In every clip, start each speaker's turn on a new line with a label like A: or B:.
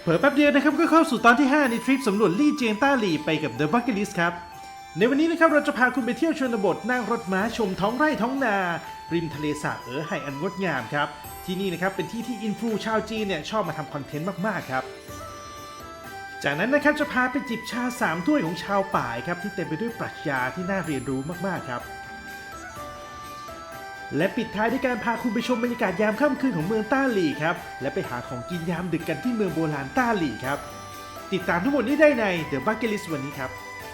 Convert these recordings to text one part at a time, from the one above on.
A: เผลอแป๊บเดียวนะครับก็เข้าสู่ตอนที่ 5 ในทริปสำรวจลี่เจียงต้าหลี่ไปกับ The Bucket List ครับในวันนี้นะครับเราจะพาคุณไปเที่ยวชนบทนั่งรถม้าชมท้องไร่ท้องนาริมทะเลสาบไห่อันงดงามครับที่นี่นะครับเป็นที่ที่อินฟลูชาวจีนเนี่ยชอบมาทำคอนเทนต์มากๆครับจากนั้นนะครับจะพาไปจิบชา3 ถ้วยของชาวป่ายครับที่เต็มไปด้วยปรัชญาที่น่าเรียนรู้มากๆครับและปิดท้ายด้วยการพาคุณไปชมบรรยากาศยามค่ำคืนของเมืองต้าหลี่ครับและไปหาของกินยามดึกกันที่เมืองโบราณต้าหลี่ครับติดตามทั้งหมดนี้ได้ใน The Bucket List วันนี้ครับ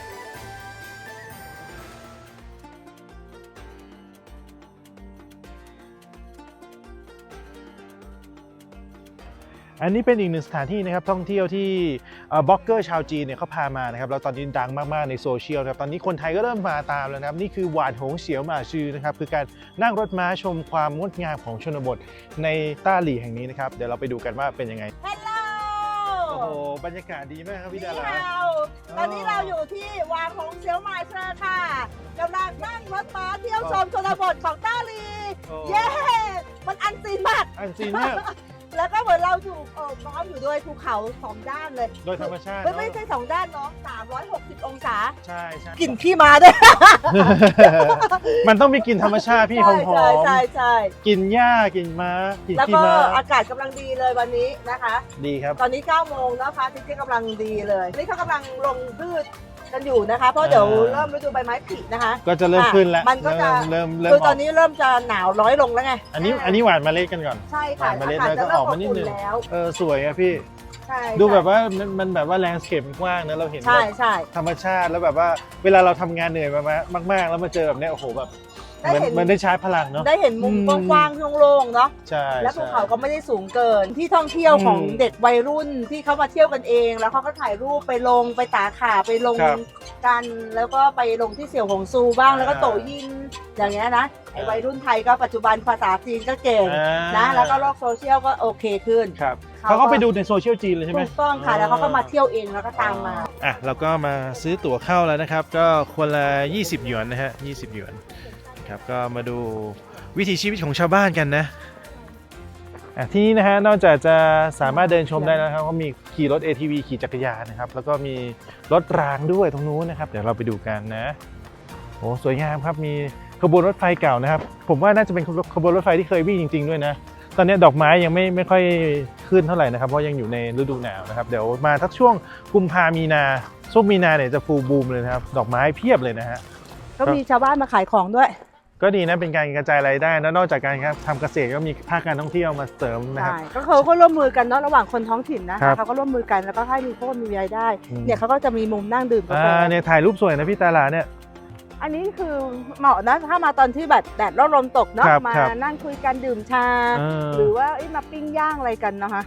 A: อันนี้เป็นอีกหนึ่งสถานที่นะครับท่องเที่ยวที่บล็อกเกอร์ชาวจีนเนี่ยเขาพามานะครับแล้วตอนนี้ดังมากๆในโซเชียลนะครับตอนนี้คนไทยก็เริ่มมาตามแล้วนะครับนี่คือหวานหงเฉียวหมาชื่อนะครับคือการนั่งรถม้าชมความงดงามของชนบทในต้าหลี่แห่งนี้นะครับเดี๋ยวเราไปดูกันว่าเป็นยังไง
B: Hello
A: โอ้โหบรรยากาศดีมากครับพี่ดารา
B: ตอนนี้เราอยู่ที่วางของเชียวหมายเชอร์ค่ะกำลังนั่งรถม้าเที่ยวชมชนบทของต้าหลี่เย้มันอันซีนมาก
A: อันซีนมาก
B: แล้วก็เหมือนเราอยู่น้องอยู่ด้วยภูเขา2 ด้านเลย
A: โดยธรรมชาติ
B: ไม่ใช่2 ด้านน้อง360 องศา
A: ใช่ใช่
B: กลิ่นขี้ม้าด้วย
A: มันต้องมีกลิ่นธรรมชาติพี่หอมหอม
B: ใช่
A: กลิ่นหญ้ากลิ่นม้ากลิ่นขี้ม้า
B: แล้วก็อากาศกำลังดีเลยวันนี้นะคะ
A: ดีครับ
B: ตอนนี้9 โมงนะคะที่กำลังดีเลยนี่เขากำลังลงพืชกันอยู่นะคะเพราะเดี๋ยวเริ่มฤดูใบไม้ผลินะคะ
A: ก็จะเริ่มขึ้นแล้ว
B: มันก็จะ
A: เริ่ม
B: คือตอนนี้เริ่มจะหนาวน้อยลงแล้วไง
A: อันนี้หวานเมล็ดกันก่อน
B: ใช่ค่ะ
A: เมล็ดแล้วก็ออกมานิดนึงสวยอะพี่ดูแบบว่ามันแบบว่าแลนด์สเคปกว้างนะเราเห็นธรรมชาติแล้วแบบว่าเวลาเราทำงานเหนื่อยมากๆแล้วมาเจอแบบนี้โอ้โหแบบมันได้ชาร์จพลังเนาะ
B: ได้เห็นมุมกว้างๆโล่งๆเนาะ
A: ใช่
B: แล้วภูเขาก็ไม่ได้สูงเกินที่ท่องเที่ยวของเด็กวัยรุ่นที่เขามาเที่ยวกันเองแล้วเขาก็ถ่ายรูปไปลงไปตาขาไปลงกันแล้วก็ไปลงที่เสี่ยวหงซูบ้างแล้วก็โตยินอย่างเงี้ยนะไอ้วัยรุ่นไทยก็ปัจจุบันภาษาจีนก็เก่งนะแล้วก็โลกโซเชียลก็โอเคขึ้น
A: เขาก็ไปดูในโซเชียลจีนเลยใช่ไหม
B: ถูกต้องค่ะแล้วเขาก็มาเที่ยวเองแล้วก็ตามมา
A: เราก็มาซื้อตั๋วเข้าแล้วนะครับก็คนละ20 หยวนนะฮะ20 หยวนครับก็มาดูวิถีชีวิตของชาวบ้านกันนะที่นี่นะฮะนอกจากจะสามารถเดินชมได้แล้วครับก็มีขี่รถ ATV ขี่จักรยานนะครับแล้วก็มีรถรางด้วยตรงนู้นนะครับเดี๋ยวเราไปดูกันนะโอ้สวยงามครับมีขบวนรถไฟเก่านะครับผมว่าน่าจะเป็นขบวนรถไฟที่เคยวิ่งจริงๆด้วยนะตอนนี้ดอกไม้ยังไม่ค่อยขึ้นเท่าไหร่นะครับเพราะยังอยู่ในฤดูหนาวนะครับเดี๋ยวมาทักช่วงกุมภามีนาช่วงมีนาเนี่ยจะฟูลบูมเลยนะครับดอกไม้เพียบเลยนะฮะ
B: ก็มีชาวบ้านมาขายของด้วย
A: ก็ดีนะเป็นการกระจายรายได้นะนอกจากการทำเกษตรก็มีภาคการท่องเที่ยวมาเสริมนะครับ
B: ก็เขาก็ร่วมมือกันเนาะระหว่างคนท้องถิ่นนะเขาก็ร่วมมือกันแล้วก็ให้มีพวกมีรายได้เนี่ยเขาก็จะมีมุมนั่งดื่มกาแฟ
A: เนี่ยถ่ายรูปสวยนะพี่ตาลาเนี่ย
B: อันนี้คือเหมาะนะถ้ามาตอนที่แบบแดดร่มลมตกเนาะมานั่งคุยกันดื่มชาหรือว่ามาปิ้งย่างอะไรกันนะคะ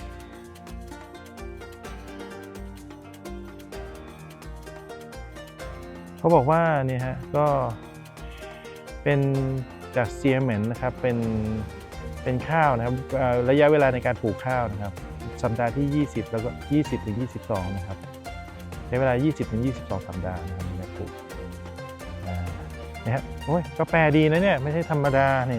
A: เขาบอกว่าเนี่ยฮะก็เป็นจากเซียเหม็นนะครับเป็นข้าวนะครับระยะเวลาในการปลูกข้าวนะครับสัปดาห์ที่20แล้วก็20 ถึง 22นะครับใช้เวลา20 ถึง 22 สัปดาห์นะครับในการปลูกนะฮะโอ้ยก็แปลดีนะเนี่ยไม่ใช่ธรรมดานี่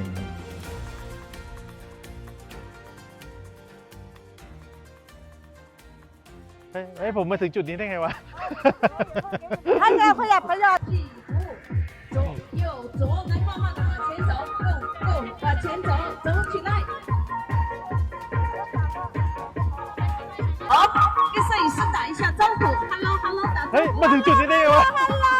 A: เฮ้ยผมมาถึงจุดนี้ได้ไงวะ
B: ท่านเราขยับ
C: 左来慢慢的往前走，go，往前走，走起来。好，跟摄影师打一下招呼，hello，打招呼。
A: เฮ้ยมาถึงจุดนี้ได้ไงวะ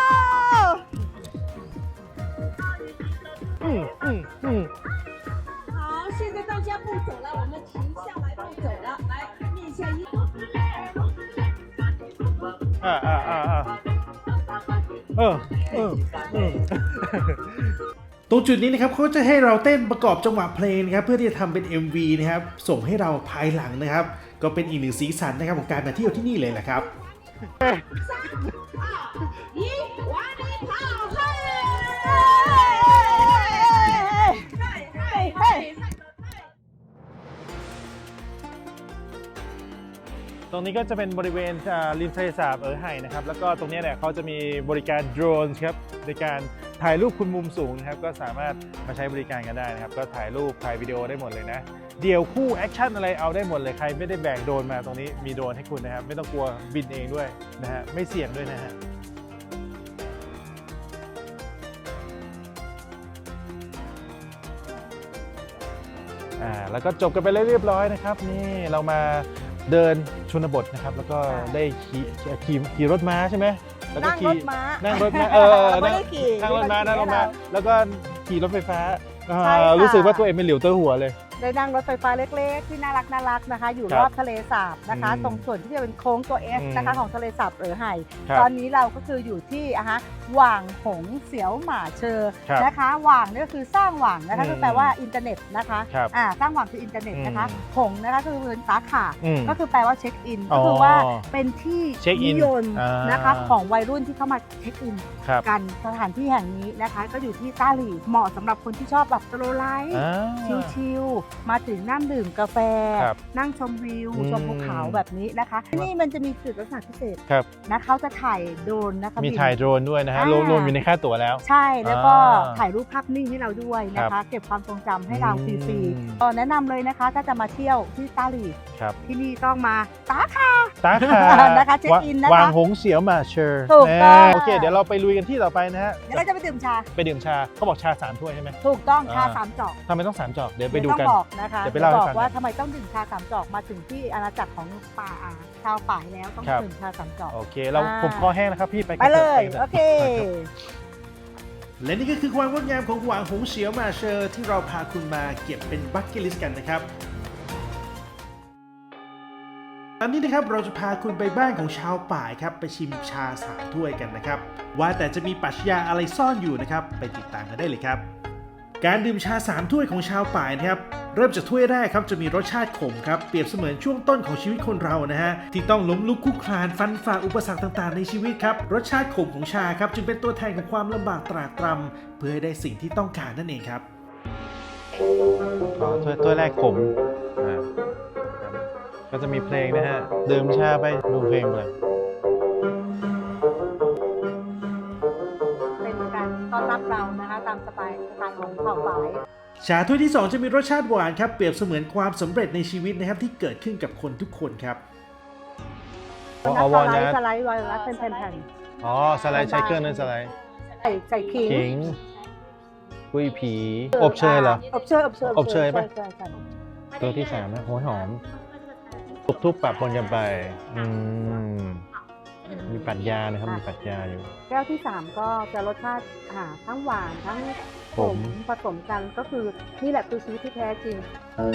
C: 好，现在大家不走了，我们停下来不走了，来念一下音。
A: ตรงจุดนี้นะครับเขาจะให้เราเต้นประกอบจังหวะเพลงนะครับเพื่อที่จะทำเป็น MV นะครับส่งให้เราภายหลังนะครับก็เป็นอีกหนึ่งสีสันนะครับของการมาเที่ยวที่นี่เลยแหละครับตรงนี้ก็จะเป็นบริเวณริมทะเลสาบไห่นะครับแล้วก็ตรงนี้เนี่ยเขาจะมีบริการโดรนครับในการถ่ายรูปคุณมุมสูงนะครับก็สามารถมาใช้บริการกันได้นะครับก็ถ่ายรูปถ่ายวิดีโอได้หมดเลยนะเดี่ยวคู่แอคชั่นอะไรเอาได้หมดเลยใครไม่ได้แบกโดรนมาตรงนี้มีโดรนให้คุณนะครับไม่ต้องกลัวบินเองด้วยนะฮะไม่เสี่ยงด้วยนะฮะแล้วก็จบกันไปเรียบร้อยนะครับนี่เรามาเดินชนบทนะครับแล้วก็ได้ขี่รถม้าใช่ไหมแล้วก็
B: นั่งรถม้า
A: นั่งรถม้า
B: ไม่ได้ขี่
A: นั่งรถม้านั่งรถม้าแล้วก็ขี่รถไฟฟ้า
B: ใช่ค่ะ
A: รู้สึกว่าตัวเองเป็นเหลียวเตอร์หัวเลย
B: ได้นั่งรถไฟฟ้าเล็กๆที่น่ารักนะคะ อยู่
A: ครับ
B: รอบทะเลสาบนะคะ
A: อืม
B: ตรงส่วนที่จะเป็นโค้งตัว S นะคะ
A: อืม
B: ของทะเลสาบเอ๋อไห่
A: ครับ
B: ตอนนี้เราก็คืออยู่ที่หว่างหงเสียวหมาเชอ
A: ครับ
B: นะคะหว่างนี่ก็คือสร้างหว่างนะคะ
A: อืม
B: ก็แปลว่าอินเทอร์เน็ตนะคะ
A: ครับ
B: สร้างหว่างคืออินเทอร์เน็ตนะคะ
A: อืม
B: หงนะคะคือเป็นสาขา
A: อืม
B: ก็คือแปลว่าเช็คอิน
A: อ๋
B: ก็
A: อ
B: คือว่าเป็นที่
A: เช็คอิ
B: นิ
A: น
B: ยม
A: อ่าน
B: นะคะของวัยรุ่นที่เข้ามาเช็คอิน
A: ครับ
B: กันสถานที่แห่งนี้นะคะ ก็อยู่ที่ต้าหลีเหมาะสำหรับคนที่ชอบแบบสโลว์ไลฟ์
A: อ่า
B: ชิลๆมาถึงนั่งดื่มกาแฟ
A: ครับ
B: นั่งชมวิว
A: อืม
B: ชมภูเขาแบบนี้นะคะที่นี่มันจะมีจุดลักษณะพิเศษ
A: ครับ
B: นะเขาจะถ่ายโดรนนะคะ
A: มี
B: บิน
A: ถ่ายโดรนด้วยนะฮะ
B: อ่าร
A: วมอยู่ในค่าตั๋วแล้ว
B: ใช่แล้วก็
A: อ่า
B: ถ่ายรูปภาพนิ่งให้เราด้วยนะ
A: ครั
B: คะ
A: บ
B: เก็บความทรงจำให้เราฟ
A: อืม
B: รีๆก็แนะนำเลยนะคะถ้าจะมาเที่ยวที่ต้าหลี
A: ครับ
B: ที่นี่ต้องมาตาคา
A: ตาขา
B: นะคะเช็คอินนะคะ
A: วางหงเสียวหมาเชอร์
B: ถูกต้อง
A: โอเค เดี๋ยวเราไปลุยกันที่ต่อไปนะฮะ
B: เดี๋ยวเราจะไปดื่มชา
A: ไปดื่มชาเขาบอกชา3 ถ้วยใช่ไหม
B: ถูกต้องชา
A: อ่า
B: สามจอก
A: ทำไมต้อง3 จอกเดี๋ยวไปดู
B: ม่
A: กัน
B: ต้องบอกนะคะ
A: เดี๋ยวไปเล่าให้
B: บอก
A: ฟัง
B: ว่า
A: กัน
B: ทำไมต้องดื่มชาสามจอกมาถึงที่อาณาจักรของป่าชาวป่ายแล้วต้อง
A: ครับ
B: ดื่มชาสามจอก
A: โอเคเรา
B: อ่า
A: ผมคอแห้งแล้วครับพี่ไป
B: ไปเลย
A: กันถะ
B: โอเค
A: และนี่ก็คือความงดงามของหวางหงเสียวหมาเชอร์ที่เราพาคุณมาเก็บเป็นบัคเก็ตลิสต์กันนะครับอันนี้นะครับเราจะพาคุณไปบ้านของชาวป่ายครับไปชิมชา3 ถ้วยกันนะครับว่าแต่จะมีปรัชญาอะไรซ่อนอยู่นะครับไปติดตามกันได้เลยครับ การดื่มชา3 ถ้วยของชาวป่ายนะครับเริ่มจากถ้วยแรกครับจะมีรสชาติขมครับเปรียบเสมือนช่วงต้นของชีวิตคนเรานะฮะที่ต้องล้มลุกคลุกคลานฟันฝ่าอุปสรรคต่างๆในชีวิตครับรสชาติขมของชาครับจึงเป็นตัวแทนของความลำบากตรากตรำเพื่อให้ได้สิ่งที่ต้องการนั่นเองครับถ้วยแรกขมก็จะมีเพลงนะฮะดื่มชาไปดูเพลงเลย
B: เป็นการต้อนรับเรานะคะตามสไตล์ของเผ่าป่าย
A: ชาถ้วยที่ 2 จะมีรสชาติหวานครับเปรียบเสมือนความสำเร็จในชีวิตนะครับที่เกิดขึ้นกับคนทุกคนครับ
B: สไลด์เป็นแผ่น
A: อ๋อสไลด์ใช้เครื่องนั้นสไลด์
B: ๆใส่ขิง
A: ขิงกุ้ยผีอบเชยเหรอ
B: อบเชย
A: อบเชยปะ
B: ใช่
A: ตัวที่3นะโหยหอมทุบๆปะปนกันไปมีปรัชญานะครับมีปรัชญาอยู่
B: แก้วที่ 3 ก็จะรสชาติทั้งหวานทั้งขมผสมกันก็คือนี่แหละคือชีวิตที่แท้จริง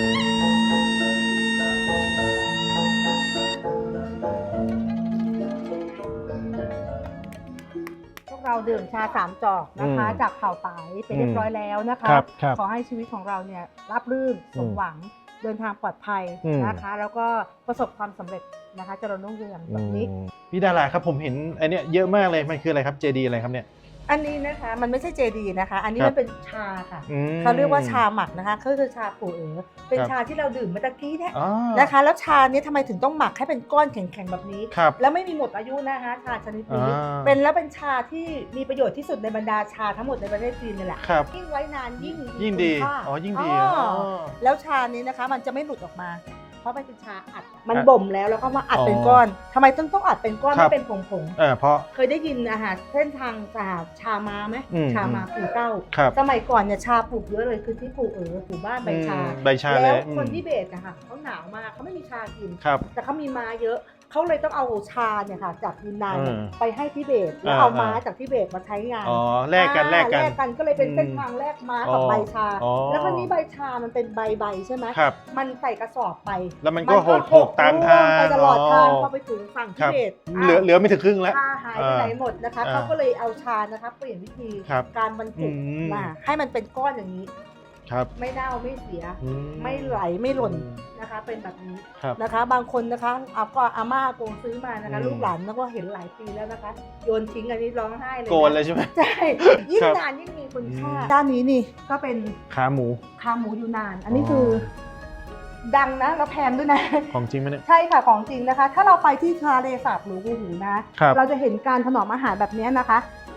B: พวกเราดื่มชา3 จอกนะคะ จากเผ่าป่ายไปเรียบร้อยแล้วนะคะ
A: ครับ
B: ขอให้ชีวิตของเราเนี่ยราบรื่นสมหวังเดินทางปลอดภัยนะคะ แล้วก็ประสบความสำเร็จนะคะเจริญรุ่งเรืองแบบนี้
A: พี่ดาราครับผมเห็นไอเนี้ยเยอะมากเลยมันคืออะไรครับเจดีอะไรครับเนี่ย
B: อันนี้นะคะมันไม่ใช่เจดีนะคะ อันนี้
A: ครับ
B: มันเป็นชาค่ะ
A: อืม
B: เขาเรียกว่าชาหมักนะคะก็คือชาปู่เอ๋อเป็น
A: ครับ
B: ชาที่เราดื่มเมื่อตะกี้เนี่ย
A: อ๋อ
B: นะคะ แล้วชาเนี้ทำไมถึงต้องหมักให้เป็นก้อนแข็งๆแบบนี้
A: ครับ
B: แล้วไม่มีหมดอายุนะคะชาชนิดนี้
A: อ่า
B: เป็นชาที่มีประโยชน์ที่สุดในบรรดาชาทั้งหมดในประเทศจีนนี่แหละ
A: ครับ
B: ยิ่งไว้นานยิ่ง
A: ยิ่งดี
B: คุณค่า
A: อ๋อยิ่งดี
B: อ๋อ
A: อ๋อ
B: แล้วชานี้นะคะมันจะไม่หลุดออกมา เพราะมันเป็นชาอัดมัน
A: อ่ะ
B: บ่มแล้วก็มาอัดเป็น
A: อ๋อ
B: ก้อนทำไมต้องอัดเป็นก้อน
A: ครั
B: ไม่
A: บ
B: เป็นผง
A: เพราะ
B: เคยได้ยินเส้นทางชามาไหม
A: อืม
B: ชามาปู่เก้า
A: ครับ
B: สมัยก่อนเนี่ยชาปลูกเยอะเลยคือที่ปลูกปลูกบ้านใบชา
A: ใบชาเล
B: แล้ว
A: ย
B: คนที่เบสนะคะเขาหนาวมากเขาไม่มีชากิน
A: ครับ
B: แต่เขามีม้าเยอะเขาเลยต้องเอาชาเนี่ยค่ะจากยูนนานเนี่ย
A: อืม
B: ไปให้ทิเบตแล้ว
A: อ่า
B: เอาม้าจากทิเบตมาใช้งาน
A: อ๋อแลกกัน
B: อ่า
A: แลกกัน
B: ก็เลยเป็นเส้นทางแลกม้ากับ
A: อ๋อ
B: ใบชา
A: อ๋อ
B: แล้วคราวนี้ใบชามันเป็นใบใช่ไหม
A: ครับ
B: มันใส่กระสอบไป
A: แล้วมันก็หกตามทาง
B: ไปตลอดทาง
A: อ๋อ
B: พอไปถึงฝั่ง
A: ค
B: ทิ
A: รับ
B: เบต
A: เหลือไม่ถึงครึ่งแล้ว
B: ชาหายไปไหนหมดนะคะ
A: อ่า
B: เขาก็เลยเอาชานะคะเปลี่ยนวิธี
A: ครับ
B: การบรรจุ
A: อืม
B: มาให้มันเป็นก้อนอย่างนี้
A: ครับ
B: ไม่เน่าไม่เสีย
A: อื
B: ไม่ไหลไม่หล่นนะคะ เป็นแบบนี้
A: ครับ
B: นะคะ บางคนนะคะเอาก็อาม่าโกงซื้อมานะคะ
A: อืม
B: ลูกหลานแล้วก็เห็นหลายปีแล้วนะคะ โยนทิ้งอันนี้ร้องไห้เลย
A: โกนเลยใช่ไหม
B: ใช่ยิ่ง
A: ครับ
B: นานยิ่งมีคุณค่า
A: อืม
B: ด้านนี้นี่ก็เป็น
A: ขาหมู
B: ขาหมูยูนาน อันนี้คือดังนะแล้วแพงด้วยนะ
A: ของจริงไหมเนี่ย
B: ใช่ค่ะของจริงนะคะ ถ้าเราไปที่ทะเลสาบหรือกูหูนะ
A: ครับ
B: เราจะเห็นการถนอมอาหารแบบนี้นะคะ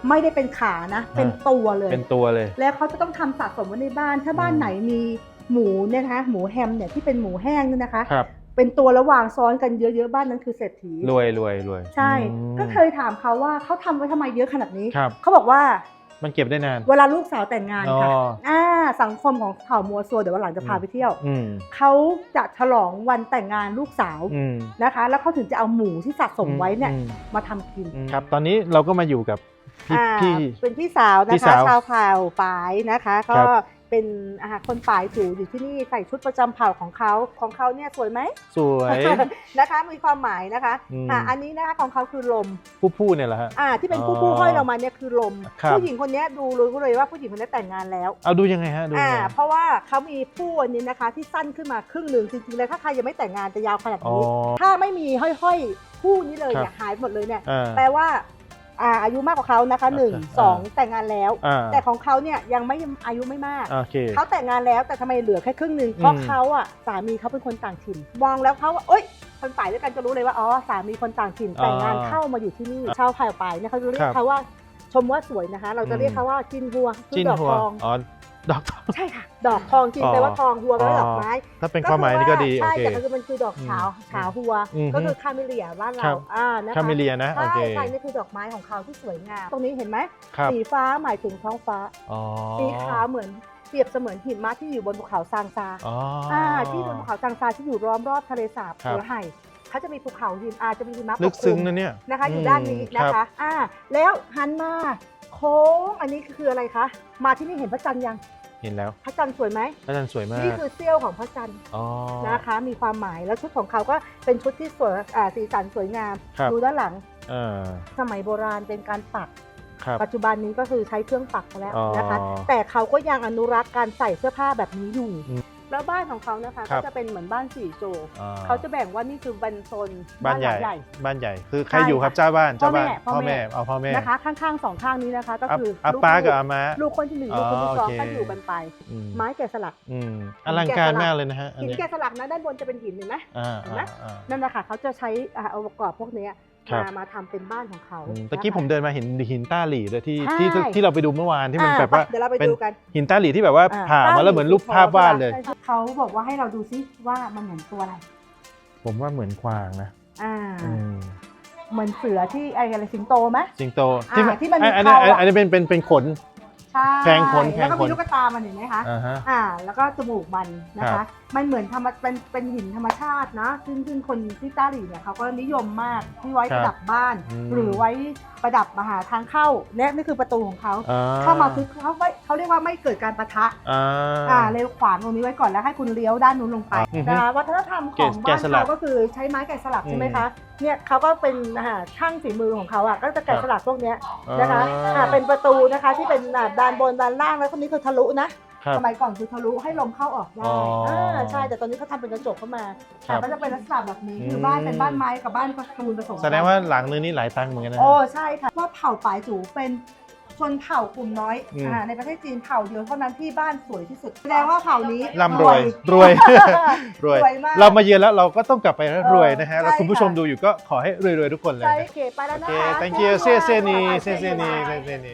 B: ไม่ได้เป็นขานะ เป็นตัวเลย
A: เป็นตัวเลย
B: แล้วเขาจะต้องทำสะสมไว้ในบ้าน ถ้าบ้านไหนมีหมูเนี่ยนะคะหมูแฮมเนี่ยที่เป็นหมูแห้งเนี่ยนะคะ
A: ครับ
B: เป็นตัวระหว่างซ้อนกันเยอะๆบ้านนั้นคือเศรษฐี
A: รวย
B: ใช่
A: อืม
B: ก็เคยถามเขาว่าเขาทำไว้ทำไมเยอะขนาดนี้
A: ครับ
B: เขาบอกว่า
A: มันเก็บได้นาน
B: เวลาลูกสาวแต่งงานค่ะ
A: อ๋อ
B: สังคมของเผ่ามัวซัวเดี๋ยววันหลังจะพาไปเที่ยว
A: อืม
B: เขาจะฉลองวันแต่งงานลูกสาว
A: อืม
B: นะคะ แล้วเขาถึงจะเอาหมูที่สะสมไว้เนี่ย
A: อืม
B: มาทำกิน
A: ครับ ตอนนี้เราก็มาอยู่กับพี่
B: เป็นพี่สาวนะ
A: พี่
B: คะ
A: สาว
B: ชาวเผ่าป่ายนะคะ
A: ครั
B: ก็
A: บ
B: เป็นคนป่ายจูอยู่ที่นี่ใส่ชุดประจำเผ่าของเขาเนี่ยสวยไหม
A: สวย
B: นะคะมีความหมายนะคะ
A: อืม
B: อันนี้นะคะของเขาคือลม
A: ผู้เนี่ยแหละฮะ
B: ที่เป็น
A: อ๋
B: ผู้
A: อ
B: ห้อยเรามาเนี่ยคือลม
A: ครับ
B: ผู้หญิงคนนี้ดูรู้เลยว่าผู้หญิงคนนี้แต่งงานแล้ว
A: เอาดูยังไงฮะดูยังไง
B: เพราะว่าเขามีผู้อันนี้นะคะที่สั้นขึ้นมาครึ่งหนึ่งจริงๆเลยถ้าใครยังไม่แต่งงานจะยาวขนาด
A: อ๋อ
B: นี้ ถ้าไม่มีห้อยๆคู่นี้เลย
A: ครับ
B: เนี่ยหายหมดเลยเนี่ย
A: อ่า
B: แปลว่าอายุมากกว่าเขานะคะหนึ่ง
A: อ่า
B: สองแต่งงานแล้ว
A: อ่า
B: แต่ของเขาเนี่ยยังไม่อายุไม่มาก
A: โอเค
B: เขาแต่งงานแล้วแต่ทำไมเหลือแค่ครึ่งหนึ่งเพราะเขาสามีเขาเป็นคนต่างถิ่นมองแล้วเขาว่าเอ้ยคนป่ายด้วยกันจะรู้เลยว่าสามีคนต่างถิ่นแต่งงานเข้ามาอยู่ที่นี่ชาวไผ่ป่ายเนี่ยเขาจะเรียกเขาว่าชมว่าสวยนะคะ เราจะเรียกเขาว่าจินหัวคื
A: จิ้
B: อน ดอก
A: หัว
B: ทอง
A: อ๋อดอกทอง
B: ใช่ค่ะดอกทองจริงแปลว่าทองหัวแปลว่าดอกไม้
A: ถ้าเป็นความหมายนี่ก็ดีโอ
B: ใช่
A: เค
B: แต่คือมันคือดอกขาวหัว
A: อืม
B: ก็คือคาเมเลียบ้าน
A: ครั
B: เรา
A: บ
B: นะคะ
A: คาเมเลียนะโอ
B: ใช่
A: เค
B: ใช่นี่คือดอกไม้ของเขาที่สวยงามตรงนี้เห็นไหม
A: ครับ
B: สีฟ้าหมายถึงท้องฟ้า
A: อ๋อ
B: สีขาวเหมือนเปรียบเสมือนหิมะที่อยู่บนภูเขาซางซา
A: อ๋อ
B: ที่บนภูเขาซางซาที่อยู่ล้อมรอบทะเลสาบ
A: ครับ
B: เสือไห่เขาจะมีภูเขาหิมจะมีหิมะป
A: ลึก
B: กค
A: ซึ้
B: ลุ
A: ง
B: ม
A: นะเนี่ย
B: นะคะอยู่ด้านนี้นะ
A: ครั
B: คะ
A: บ
B: แล้วหันมาโค้งอันนี้คืออะไรคะมาที่นี่เห็นพระจันทร์ยัง
A: เห็นแล้ว
B: พระจันทร์สวยไหม
A: อาจารย์สวยมาก
B: นี่คือเสี้ยวของพระจันทร์
A: อ๋อ
B: นะคะมีความหมายแล้วชุดของเขาก็เป็นชุดที่สวยสีสันสวยงาม
A: ครับ
B: ดูด้านหลัง
A: อ่า
B: สมัยโบราณเป็นการปัก
A: ครับ
B: ปัจจุบันนี้ก็คือใช้เครื่องปักแล้ว
A: อ๋อ
B: นะคะ แต่เขาก็ยังอนุรักษ์การใส่เสื้อผ้าแบบนี้อยู่
A: อืม
B: แล้วบ้านของเขานะคะ
A: ครั
B: ก็
A: บ
B: จะเป็นเหมือนบ้านสี่โจ
A: อ่
B: เขาจะแบ่งว่านี่คือบันโซน
A: บ้านใหญ่
B: ลังใหญ่
A: บ้านใหญ่ คือใคร
B: ใช่
A: อยู่ครับ
B: ค่ะ
A: เจ้าบ้าน
B: พ่อแม่
A: พ่อแม่เอาพ่อแม่
B: นะคะข้างๆสองข้างนี้นะคะก็คือ
A: อา
B: ลูก
A: ป้ากับอาม้า
B: ลูกคนที่หนึ่งลูกคนที่สอง
A: โอเค
B: ก็อยู่กันไป
A: อืม
B: ไม้แกะสลัก
A: อืมอลังการมากเลยนะฮะอัน
B: หิน
A: นี้
B: แกะสลักนะด้านบนจะเป็นหินเห็นไหม
A: อ่า
B: เห็นไหม นั่นแหละค่ะเขาจะใช้องค์ประกอบพวกเนี้ย
A: ครับ
B: มาทำเป็นบ้านของเขา
A: ตะกี้
B: นะคะ
A: ผมเดินมาเห็นหินต้าหลี่ด้วยที่
B: ใช่
A: ที่เราไปดูเมื่อวานที่มันแบบว่า
B: เดี๋ยวเราไป
A: เป็น
B: ดูกัน
A: หินต้าหลี่ที่แบบว่าผ่ามาแล้วเหมือนรูปภาพวาดเลย
B: เขาบอกว่าให้เราดูซิว่ามันเหมือนตัวอะไร
A: ผมว่าเหมือนกวางนะ อืม
B: เหมือนเสือที่อะไรสิงโตไหม
A: สิงโต
B: ที่มันมี
A: อันนี้
B: เขาอะ
A: อันนี้เป็นขน
B: ใช่
A: แพงขน
B: แล้วก็มีลูกกระตามันเห็นไหมคะ
A: อ่าฮะ
B: แล้วก็จมูกมันนะ
A: ครั
B: คะ
A: บ
B: มันเหมือนเป็นหินธรรมชาตินะซึ่งคนที่ต้าหลี่เนี่ยเขาก็นิยมมากที่ไว้ประดับบ้าน หรือไว้ประดับมาหาทางเข้าและนี่คือประตูของเขา เข้ามาคือเขาเรียกว่าไม่เกิดการปะทะ เลยขวางตรงนี้ไว้ก่อนแล้วให้คุณเลี้ยวด้านนู้นลงไป
A: อือฮึ
B: นะคะวัฒนธรรมของ
A: แกะ
B: บ้าน
A: สลัก
B: เขาก็คือใช้ไม้แกะสลัก
A: อืม
B: ใช่ไหมคะเนี่ยเขาก็เป็นช่างฝีมือของเขาก็จะแกะสลักพวกเนี้ยนะคะเป็นประตูนะคะที่เป็นด้านบนด้านล่างแล้วคนนี้คือทะลุนะครับ สมัยก่อนคือทะลุให้ลมเข้าออกได้
A: อ๋อ
B: ใช่แต่ตอนนี้เขาทำเป็นกระจกเข้ามา
A: ครับ
B: ก็จะเป็นลักษณะแบบนี้คือ
A: ม
B: บ้านเป็นบ้านไม้กับบ้านปูนผสมกัน
A: แสดงว่าหลังนึงนี่หลายตังค์เหมือนกันนะ
B: โอ้ใช่ค่ะว่าเผ่าปายจูเป็นชนเผ่ากลุ่มน้อย
A: อืม
B: ในประเทศจีนเผ่าเดียวเท่านั้นที่บ้านสวยที่สุดแสดงว่าเผ่านี้
A: ร่ำรวยรวย รวย
B: รวยมาก
A: เรามาเยือนแล้วเราก็ต้องกลับไปแล้วรวยนะฮะ
B: ใช่
A: แล้วคุณผู้ชม
B: ค่ะ
A: ดูอยู่ก็ขอให้รวยๆทุกคนเลย
B: ใช่
A: นะ
B: โอเคไปแล้ว
A: โอ
B: นะ
A: เค
B: คะ
A: thank you เซี่ยเซี่ยนีเซี่ยเซี่ยนีเซี่ยเซี่ยนี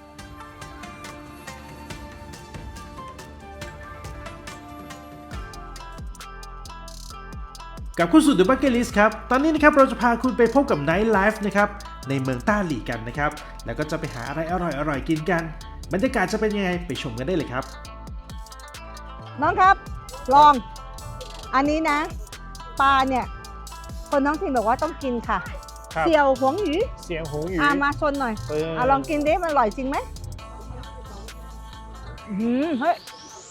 A: กับคุณสุด The Bucket List ครับ ตอนนี้นะครับเราจะพาคุณไปพบกับ Night Life นะครับในเมืองต้าหลี่กันนะครับ แล้วก็จะไปหาอะไรอร่อยๆกินกัน บรรยากาศจะเป็นยังไงไปชมกันได้เลยครับ
B: น้องครับ ลอง อันนี้นะปลาเนี่ย คนน้องถิ่นบอกว่าต้องกินค่ะ
A: ครับ
B: เสี่ยวหวงหยู
A: เสียงหูหยู
B: มาชนหน่อย
A: เ
B: ลองกินดิมันอร่อยจริงไหมเฮ้ย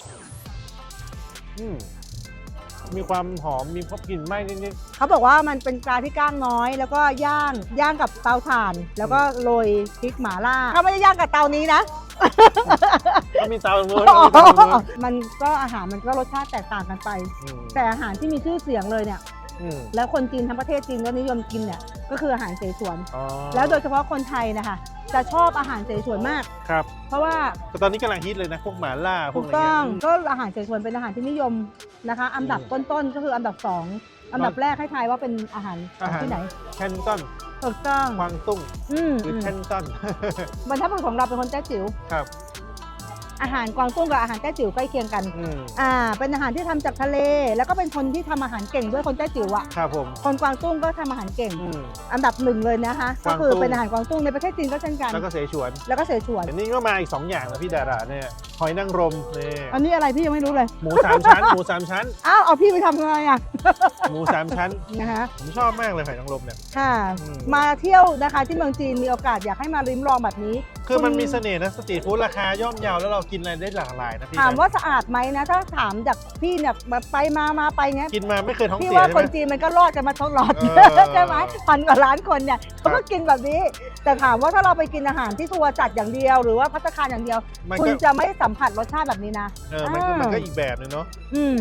A: อืมมีความหอมมีพบกลิ่นไหม้นิด
B: เขาบอกว่ามันเป็นปลาที่กล้างน้อย แล้วก็ย่างกับเตาถ่าน แล้วก็โรยพริกหม่าล่าเขาไม่ได้ย่างกับเตานี้นะ
A: ๆก็มีเตาตรงนู้นมีเตาตรงนู้น
B: มันก็อาหารมันก็รสชาติแตกต่างกันไป
A: อืม
B: แต่อาหารที่มีชื่อเสียงเลยเนี่ย
A: อืม
B: แล้วคนจีนทั้งประเทศจีนก็นิยมกินเนี่ยก็คืออาหารเสฉวน
A: อ๋อ
B: แล้วโดยเฉพาะคนไทยนะคะจะชอบอาหารเสฉวนมาก
A: ครับ
B: เพราะว่า
A: แต่ตอนนี้กำลังฮิตเลยนะ พวกหมาล่าพว
B: ถู
A: ก
B: ก
A: อะไร
B: ต้
A: เงี้
B: อง
A: ย
B: ก็อาหารเสฉวนเป็นอาหารที่นิยมนะคะ อันดับต้นๆก็คืออันดับ2อันดับแรกให้ทายว่าเป็นอาหารของที่ไหน
A: แคนตัน
B: ถูกต้อง
A: กวางตุ้ง
B: อืม
A: หรือแคนตัน
B: บรรพบุรุษของเราเป็นคนแต้จิ๋ว
A: ครับ
B: อาหารกวางตุ้งกับอาหารแต้จิ๋วใกล้เคียงกัน
A: อืม
B: เป็นอาหารที่ทำจากทะเล แล้วก็เป็นคนที่ทำอาหารเก่งด้วยคนแต้จิ๋วอ่ะ
A: ครับผม
B: คนกวางตุ้งก็ทำอาหารเก่ง
A: อืม
B: อันดับหนึ่งเลยนะคะ
A: ก
B: ก็
A: วางตุ้ง
B: คือเป็นอาหารกวางตุ้งในประเทศจีนก็เช่นกัน
A: แล้วก็เสฉวน
B: แล้วก็เสฉวน
A: อันนี้ก็มาอีก 2 อย่างนะพี่ดาราเนี่ยหอยนางรมนี่
B: อันนี้อะไรพี่ยังไม่รู้เลย
A: หมู3 ชั้น หมู3 ชั้น
B: อ้าวเอาพี่ไปทำไงอ่ะ
A: หมู3 ชั้น
B: นะคะ
A: ผมชอบมากเลยหอยนางรมเนี่ย
B: ค่ะ
A: อืม
B: มาเที่ยวนะคะที่เมืองจีนมีโอกาสอยากให้มาริมลองแบบนี้
A: คือมัน
B: ณ
A: มีเสน่ห์นะสตรีทฟู้ดราคาย่อมเยาแล้วเรากินอะไรได้หลากหลายนะพี่
B: ถาม
A: นะ
B: ว่าสะอาดไหมนะ ถ้าถามจากพี่เนี่ยแบบไปมาไปเงี้ย
A: กินมาไม่เคยท้อง
B: พี่
A: เสีย
B: ว่า
A: ใช่
B: คน
A: ไหม
B: จีนมันก็รอดกันมาทั้งหลอด
A: เออ
B: ใช่ไหม1,000 กว่าล้านคนเนี่ยเขาก็กินแบบนี้ แต่ถามว่าถ้าเราไปกินอาหารที่ทัวร์จัดอย่างเดียว หรือว่าภัตตาคารอย่างเดียว
A: มัน
B: คุณ
A: ก็
B: จะไม่สัมผัสรสชาติแบบนี้นะ
A: มันก็อีกแบบหนึงเนาะ
B: อืม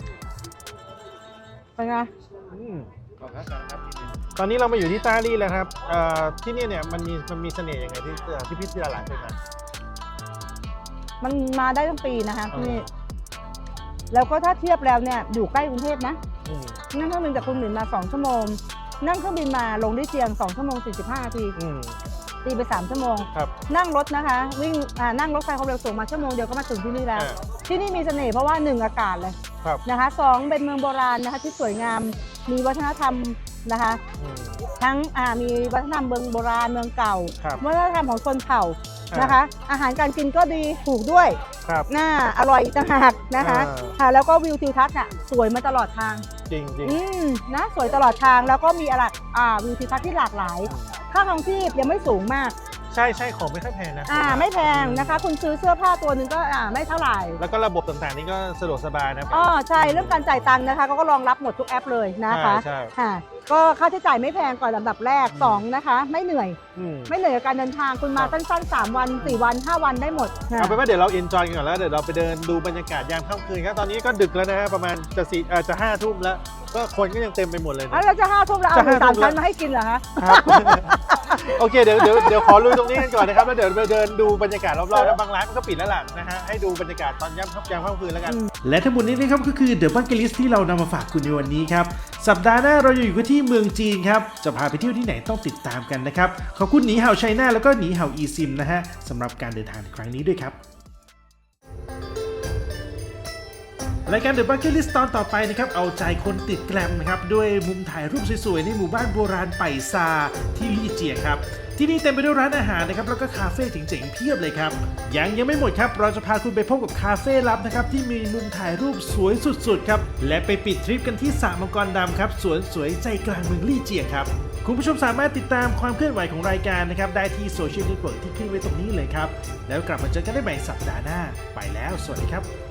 B: เป็นไง
A: อืมตอนนี้เรามาอยู่ที่ต้าลี่แล้วครับที่นี่เนี่ยมันมีเสน่ห์ยังไงที่พี่ดาราเคยมา
B: มันมาได้ทั้งปีนะคะ
A: เออ
B: นี่แล้วก็ถ้าเทียบแล้วเนี่ยอยู่ใกล้กรุงเทพนะ
A: อืม
B: นั่งเครื่องบินจากคุณหมินมา2 ชั่วโมง นั่งเครื่องบินมาลงที่เชียง2 ชั่วโมง 45 นาที
A: อืม
B: ตีไป3 ชั่วโมง
A: ครับ
B: นั่งรถนะคะวิ่งนั่งรถไฟความเร็วสูงมาชั่วโมงเดียวก็มาถึงที่นี่แล้ว
A: อ่า
B: ที่นี่มีเสน่ห์เพราะว่า1อากาศเลย
A: ครับ
B: นะคะ2เป็นเมืองโบราณนะคะที่สวยงามมีวัฒนธรรมนะคะ
A: อืม
B: ทั้งมีวัฒนธรรมเมืองโบราณเมืองเก่า
A: ครับ
B: วัฒนธรรมของชนเผ่า
A: อ่าน
B: นะคะ อาหารการกินก็ดีถูกด้วย
A: ครับ
B: น่าอร่อยอีกต่างหากนะคะ
A: อ่า
B: ค่ะแล้วก็วิวทิวทัศน์น่ะสวยมาตลอดทาง
A: จริงจริง
B: นะสวยตลอดทางแล้วก็มีวิวทิวทัศน์ที่หลากหลาย ค่าครองชีพยังไม่สูงมาก
A: ใช่ของไม่ค่อยแพงนะ
B: ไม่แพงนะคะ คุณซื้อเสื้อผ้าตัวหนึ่งก็ไม่เท่าไหร่
A: แล้วก็ระบบต่างๆนี่ก็สะดวกสบายนะ
B: ใช่เรื่องการจ่ายตังค์นะคะเขาก็รองรับหมดทุกแอปเลยนะคะ
A: ใช่
B: ค่ะก็ค่าใช้จ่ายไม่แพงก่อนลำดับแรก
A: อืม
B: 2นะคะไม่เหนื่อย
A: อืม
B: ไม่เหนื่อยกับการเดินทางคุณมา
A: ครับ
B: สั้นๆ3 วัน 4 วัน 5 วันได้หมดค่ะ
A: เอาเป็นว่าเดี๋ยวเราเอนจอยกันก่อนแล้วเดี๋ยวเราไปเดินดูบรรยากาศยามค่ำคืนครับตอนนี้ก็ดึกแล้วนะฮะประมาณจะ5 ทุ่มแล้วก็คนก็ยังเต็มไปหมดเลยนะ
B: แล้วจะ5 ทุ่มแล้วเอาหมู
A: จะ5
B: สาม
A: ทุ่ม
B: ชั้น
A: แล้ว
B: มาให้กินเหรอคะ
A: ครับ โอเคเดี๋ยวขอลุยตรงนี้กันก่อนนะครับแล้วเดี๋ยวไปเดินดูบรรยากาศรอบๆแล้วบางร้านมันก็ปิดแล้วล่ะนะฮะให้ดูบรรยากาศตอนยามค่ำคืนแล้วกัน และทั้งหมดนี้นะครับก็คือ The Bucket List ที่เรานำมาฝากคุณในวันนี้ครับสัปดาห์หน้าเราจะอยู่กันที่เมืองจีนครับจะพาไปเที่ยวที่ไหนต้องติดตามกันนะครับขอบคุณหนีเห่าไชน่าแล้วก็หนีเห่าอีซิมนะฮะสำหรับการเดินทางในครั้งนี้ด้วยครับรายการ The Bucket List ตอนต่อไปนะครับเอาใจคนติดแกรมนะครับด้วยมุมถ่ายรูปสวยๆในหมู่บ้านโบราณไปซาที่ลี่เจียงครับที่นี่เต็มไปด้วยร้านอาหารนะครับแล้วก็คาเฟ่เจ๋งๆเพียบเลยครับยังไม่หมดครับเราจะพาคุณไปพบกับคาเฟ่ลับนะครับที่มีมุมถ่ายรูปสวยสุดๆครับและไปปิดทริปกันที่สระมังกรดำครับสวนสวยใจกลางเมืองลี่เจียงครับคุณผู้ชมสามารถติดตามความเคลื่อนไหวของรายการนะครับได้ที่โซเชียลเน็ตเวิร์กที่ขึ้นไว้ตรงนี้เลยครับแล้วกลับมาเจอกันได้ใหม่สัปดาห์หน้าไปแล้วสวัสดีครับ